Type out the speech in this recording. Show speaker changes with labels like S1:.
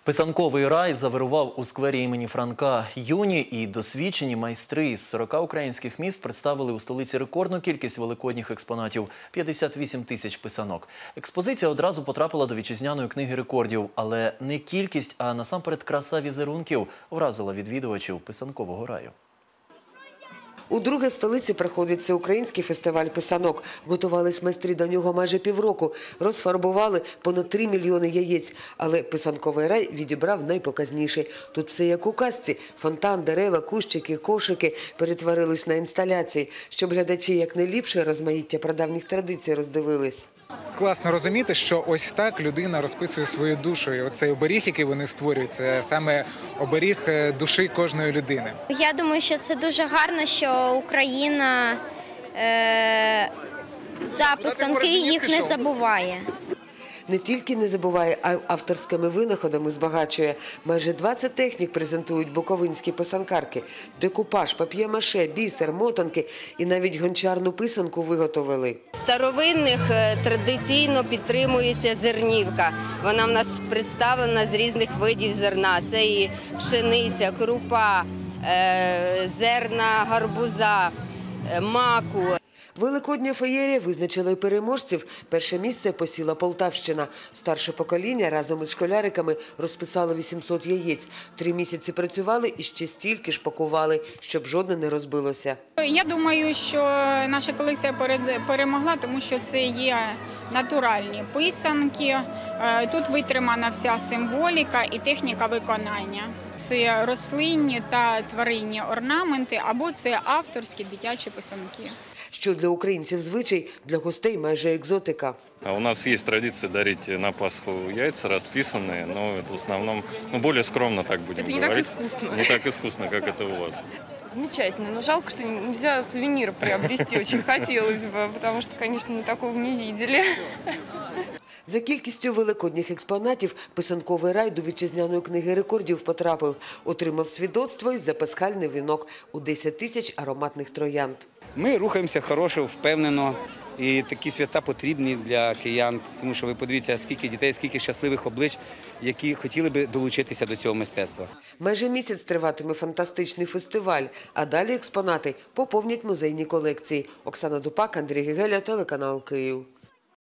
S1: Писанковий рай завирував у сквері імені Франка. Юні і досвідчені майстри із 40 українських міст представили у столиці рекордну кількість великодніх експонатів – 58 тисяч писанок. Експозиція одразу потрапила до вітчизняної книги рекордів. Але не кількість, а насамперед краса візерунків вразила відвідувачів писанкового раю.
S2: Удруге в столиці проходить всеукраїнський фестиваль писанок. Готувались майстри до нього майже півроку. Розфарбували понад 3 мільйони яєць. Але писанковий рай відібрав найпоказніше. Тут все як у казці. Фонтан, дерева, кущики, кошики перетворились на інсталяції, щоб глядачі якнайліпше розмаїття прадавніх традицій роздивились.
S3: Класно розуміти, що ось так людина розписує свою душу. І оцей оберіг, який вони створюють, це саме оберіг душі кожної людини.
S4: Я думаю, що це дуже гарно, що Україна за писанки їх не забуває.
S2: Не тільки не забуває, а й авторськими винаходами збагачує. Майже 20 технік презентують буковинські писанкарки. Декупаж, пап'є-маше, бісер, мотанки і навіть гончарну писанку виготовили.
S5: Старовинних традиційно підтримується зернівка. Вона в нас представлена з різних видів зерна. Це і пшениця, крупа, зерна гарбуза, маку.
S2: Великодня феєрія визначила й переможців. Перше місце посіла Полтавщина. Старше покоління разом із школяриками розписало 800 яєць. 3 місяці працювали і ще стільки ж пакували, щоб жодне не розбилося.
S6: Я думаю, що наша колекція перемогла, тому що це є натуральні писанки. Тут витримана вся символіка і техніка виконання. Це рослинні та тваринні орнаменти або це авторські дитячі писанки.
S2: Що для українців звичай, для гостей майже екзотика.
S7: У нас есть традиция дарить на Пасху яйца расписанные, но это в основном более скромно, так будем говорить.
S8: Это не так искусно.
S7: Не так искусно, как это у вас.
S8: Замечательно, но жалко, что нельзя сувенир приобрести, очень хотелось бы, потому что, конечно, мы такого не видели.
S2: За кількістю великодніх експонатів писанковий рай до вітчизняної книги рекордів потрапив. Отримав свідоцтво і запасхальний вінок у 10 тисяч ароматних троянд.
S9: Ми рухаємося хорошо, впевнено. І такі свята потрібні для киян, тому що ви подивіться, скільки дітей, скільки щасливих облич, які хотіли би долучитися до цього мистецтва.
S2: Майже місяць триватиме фантастичний фестиваль, а далі експонати поповнять музейні колекції. Оксана Дупак, Андрій Гегеля, телеканал Київ.